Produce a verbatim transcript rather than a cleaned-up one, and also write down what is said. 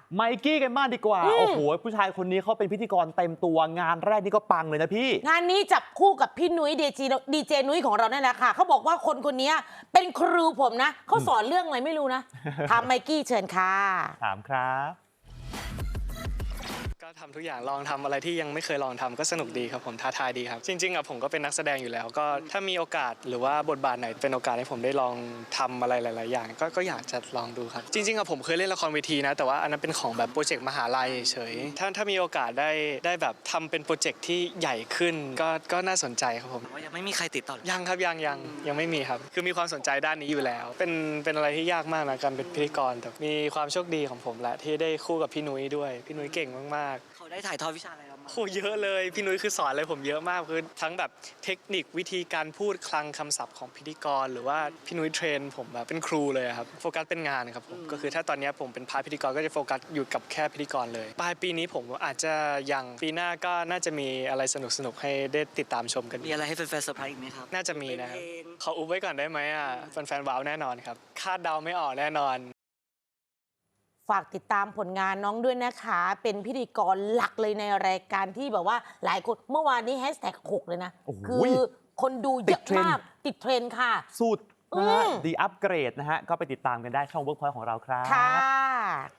ไมกี้กันบ้างดีกว่าอืมโอ้โห ผู้ชายคนนี้เขาเป็นพิธีกรเต็มตัวงานแรกนี่ก็ปังเลยนะพี่งานนี้จับคู่กับพี่นุ้ยดีเจดีเจนุ้ยของเราเนี่ยแหละค่ะเขาบอกว่าคนคนนี้เป็นครูผมนะเขาสอนเรื่องอะไรไม่รู้นะถามไมกี้เชิญค่ะถามครับก็ทำทุกอย่างลองทำอะไรที่ยังไม่เคยลองทำก็สนุกดีครับผมท้าทายดีครับจริงๆอ่ะผมก็เป็นนักแสดงอยู่แล้ว ก็ถ้ามีโอกาสหรือว่าบทบาทไหนเป็นโอกาสให้ผมได้ลองทำอะไรหลายๆอย่างก็ก็อยากจะลองดูครับจริงๆอ่ะผมเคยเล่นละครเวทีนะแต่ว่าอันนั้นเป็นของแบบโปรเจกต์มหาลัยเฉยถ้าถ้ามีโอกาสได้ได้แบบทำเป็นโปรเจกต์ที่ใหญ่ขึ้นก็ก็น่าสนใจครับผมว่ายังไม่มีใครติดต่อยังครับยังยังยังไม่มีครับคือมีความสนใจด้านนี้อยู่แล้ว เป็นเป็นอะไรที่ยากมากนะการเป็นพิธีกรแต่มีความโชคดีของผมแหละที่ได้คู่กับพี่นุ้ยด้วยพี่นุ้ยเก่งมากๆเขาได้ถ่ายทอดวิชาอะไรเรามาโหเยอะเลยพี่นุ้ยคือสอนอะไรผมเยอะมากคือทั้งแบบเทคนิควิธีการพูดคลังคำศัพท์ของพิธีกรหรือว่าพี่นุ้ยเทรนผมแบบเป็นครูเลยครับโฟกัสเป็นงานครับผมก็คือถ้าตอนนี้ผมเป็นพาร์ทพิธีกรก็จะโฟกัสอยู่กับแค่พิธีกรเลยปลายปีนี้ผมอาจจะยังปีหน้าก็น่าจะมีอะไรสนุกๆให้ได้ติดตามชมกันมีอะไรให้แฟนๆเซอร์ไพรส์อีกไหมครับน่าจะมีนะครับเป็นเพลงขออุบไว้ก่อนได้ไหมอ่ะแฟนๆว้าวแน่นอนครับคาดเดาไม่ออกแน่นอนฝากติดตามผลงานน้องด้วยนะคะ เป็นพิธีกรหลักเลยในรายการที่แบบว่าหลายคนเมื่อวานนี้แฮชแท็กหกเลยนะโอ้โหคือคนดูเยอะติดเทรนด์มากติดเทรนด์ค่ะสุดนะฮะอืมดีอัปเกรดนะฮะ ก็ไปติดตามกันได้ช่อง Workpoint ของเราครับค่ะ